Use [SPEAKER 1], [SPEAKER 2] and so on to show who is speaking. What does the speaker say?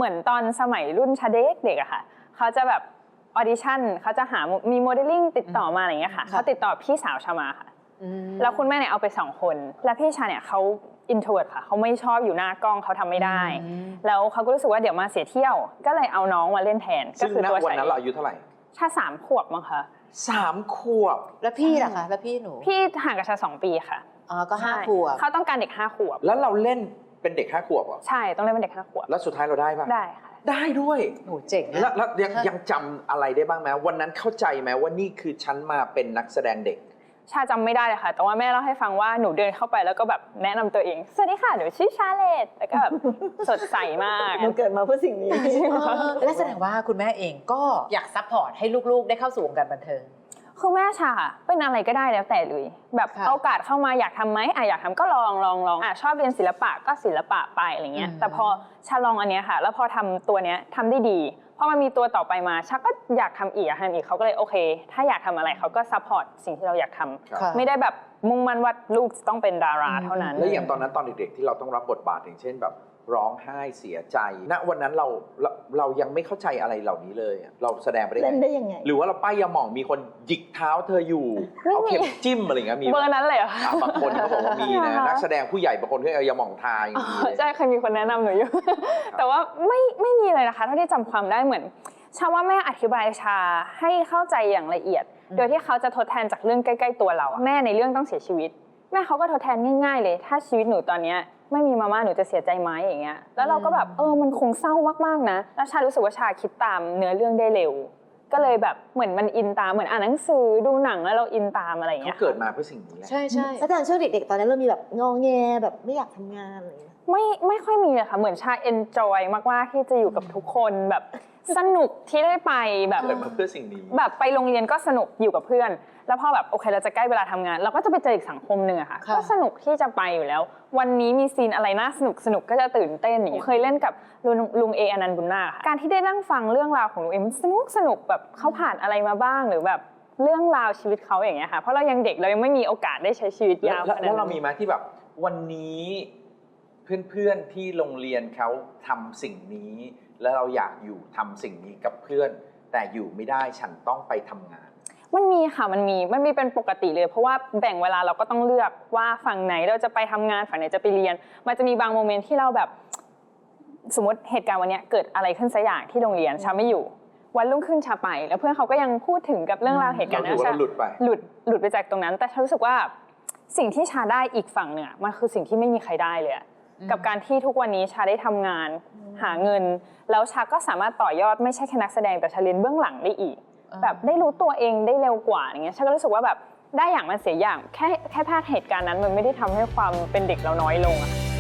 [SPEAKER 1] เหมือนตอนสมัยรุ่นชาเด็กๆอะค่ะเขาจะแบบออดิชั่นเขาจะหามีโมเดลลิ่งติดต่อมาอะไรเงี้ยค่ะเขาติดต่อพี่สาวชามาค่ะแล้วคุณแม่เนี่ยเอาไป2 คนแล้วพี่ชาเนี่ยเขาอินโทรเวิร์ตค่ะเขาไม่ชอบอยู่หน้ากล้องเขาทำไม่ได้แล้วเขาก็รู้สึกว่าเดี๋ยวมาเสียเที่ยวก็เลยเอาน้องมาเล่นแทนก็คือตัว
[SPEAKER 2] วันนั้นเราอายุเท่าไหร่
[SPEAKER 1] ชา3 ขวบมั้งคะ
[SPEAKER 2] 3 ขวบ
[SPEAKER 3] แล้วพี่ล่ะคะแล้วพี่หนู
[SPEAKER 1] พี่ห่างกับชา2 ปีค่ะ
[SPEAKER 3] อ๋อก็5 ขวบ
[SPEAKER 1] เขาต้องการเด็ก5 ขวบ
[SPEAKER 2] แล้วเราเล่นเป็นเด็ก5 ขวบเหรอ
[SPEAKER 1] ใช่ต้องเล่นเป็นเด็ก5 ขวบ
[SPEAKER 2] แล้วสุดท้ายเราได้ปะ
[SPEAKER 1] ได้ค่ะ
[SPEAKER 2] ได้ด้วย
[SPEAKER 3] โหเจ๋งนะ
[SPEAKER 2] แล้วยังจำอะไรได้บ้างไหมวันนั้นเข้าใจไหมว่านี่คือฉันมาเป็นนักแสดงเด็ก
[SPEAKER 1] ชาจำไม่ได้เลยค่ะแต่ว่าแม่เล่าให้ฟังว่าหนูเดินเข้าไปแล้วก็แบบแนะนำตัวเองสวัสดีค่ะหนูชื่อชาเลตแล้วก็แบบสดใสมาก
[SPEAKER 4] หนูเกิดมาเพื่อสิ่งนี้
[SPEAKER 3] และแสดงว่าคุณแม่เองก็อยากซัพพอร์ตให้ลูกๆได้เข้าสู่วงการบันเทิง
[SPEAKER 1] คือแม่ชาเป็นอะไรก็ได้แล้วแต่เลยแบบโอกาสเข้ามาอยากทำไหมอยากทำก็ลองชอบเรียนศิลปะก็ศิลปะไปอะไรเงี้ยแต่พอชาลองอันเนี้ยค่ะแล้วพอทำตัวเนี้ยทำได้ดีพอมันมีตัวต่อไปมาชาก็อยากทำอีกเขาก็เลยโอเคถ้าอยากทำอะไรเขาก็ซัพพอร์ตสิ่งที่เราอยากทำไม่ได้แบบมุ่งมั่นว่าลูกจะต้องเป็นดาราเท่านั้น
[SPEAKER 2] แล้วอย่างตอนนั้นตอนเด็กๆที่เราต้องรับบทบาทอย่างเช่นแบบร้องไห้เสียใจณวันนั้นเรายังไม่เข้าใจอะไรเหล่านี้เลยเราแสดงไปได้
[SPEAKER 4] ยังไง
[SPEAKER 2] หรือว่าเราป้ายยาหม่องมีคนหยิกเท้าเธออยู่เอาเข็มจิ้มอะไรเงี้ยมี
[SPEAKER 1] เบอร์นั้นเลยเหรอบ
[SPEAKER 2] างคนเขาบอกว่ามีนะนักแสดงผู้ใหญ่บางคนก็เอายาหม่องทาอย่างนี้
[SPEAKER 1] ใช่เคยมีคนแนะนำหนูอยู่แต่ว่าไม่มีเลยนะคะเท่าที่จำความได้เหมือนชาว่าแม่อธิบายชาให้เข้าใจอย่างละเอียดโดยที่เขาจะทดแทนจากเรื่องใกล้ๆตัวเราแม่ในเรื่องต้องเสียชีวิตแม่เขาก็ทดแทนง่ายๆเลยถ้าชีวิตหนูตอนนี้ไม่มีมาม่าหนูจะเสียใจไหมอย่างเงี้ยแล้วเราก็แบบมันคงเศร้ามากๆนะแล้วชารู้สึกว่าชาคิดตามเนื้อเรื่องได้เร็วก็เลยแบบเหมือนมันอินตามเหมือนอ่านหนังสือดูหนังแล้วเราอินตามอะไรอย่างเงี้ย
[SPEAKER 2] เขาเกิดมาเพื่อสิ่งนี้แหละ
[SPEAKER 3] ใช่
[SPEAKER 4] แล้วตอนช่วงเด็กๆตอนนั้นเรามีแบบงอแงแบบไม่อยากทำงานอะไร
[SPEAKER 1] ไม่ค่อยมีเลยค่ะเหมือนชาเอนจอยมากๆที่จะอยู่กับทุกคนแบบสนุกที่ได้ไปแบบ
[SPEAKER 2] เกิดมาเพื่อสิ่งนี้
[SPEAKER 1] แบบไปโรงเรียนก็สนุกอยู่กับเพื่อนแล้วพอแบบโอเคเราจะใกล้เวลาทำงานเราก็จะไปเจออีกสังคมหนึ่งอะค่ะก็สนุกที่จะไปอยู่แล้ววันนี้มีซีนอะไรน่าสนุกก็จะตื่นเต้นอย่างเคยเล่นกับลุงเออนันต์บุญนาคค่ะการที่ได้นั่งฟังเรื่องราวของลุงเอมันสนุกแบบเขาผ่านอะไรมาบ้างหรือแบบเรื่องราวชีวิตเขาอย่างเงี้ยค่ะเพราะเรายังเด็กเรายังไม่มีโอกาสได้ใช้ชีวิตยาว
[SPEAKER 2] แล้วเรามีไหมที่แบบวันนี้เพื่อนๆที่โรงเรียนเขาทำสิ่งนี้แล้วเราอยากอยู่ทำสิ่งนี้กับเพื่อนแต่อยู่ไม่ได้ฉันต้องไปทำงาน
[SPEAKER 1] มันมีค่ะมันมีเป็นปกติเลยเพราะว่าแบ่งเวลาเราก็ต้องเลือกว่าฝั่งไหนเราจะไปทำงานฝั่งไหนจะไปเรียนมันจะมีบางโมเมนต์ที่เราแบบสมมติเหตุการณ์วันนี้เกิดอะไรขึ้นสักอย่างที่โรงเรียนชาไม่อยู่วันรุ่งขึ้นชาไปแล้วเพื่อนเขาก็ยังพูดถึงกับเรื่องราวเหตุการณ์นั้นชาหลุดไปจากตรงนั้นแต่ชารู้สึกว่าสิ่งที่ชาได้อีกฝั่งเนี่ยมันคือสิ่งที่ไม่มีใครได้เลยกับการที่ทุกวันนี้ชาได้ทำงานหาเงินแล้วชาก็สามารถต่อยอดไม่ใช่แค่นักแสดงแต่ชาเรียนเบื้องหลังได้อีกแบบได้รู้ตัวเองได้เร็วกว่าอย่างเงี้ยชาก็รู้สึกว่าแบบได้อย่างมันเสียอย่างแค่พลาดเหตุการณ์นั้นมันไม่ได้ทำให้ความเป็นเด็กเราน้อยลงอะ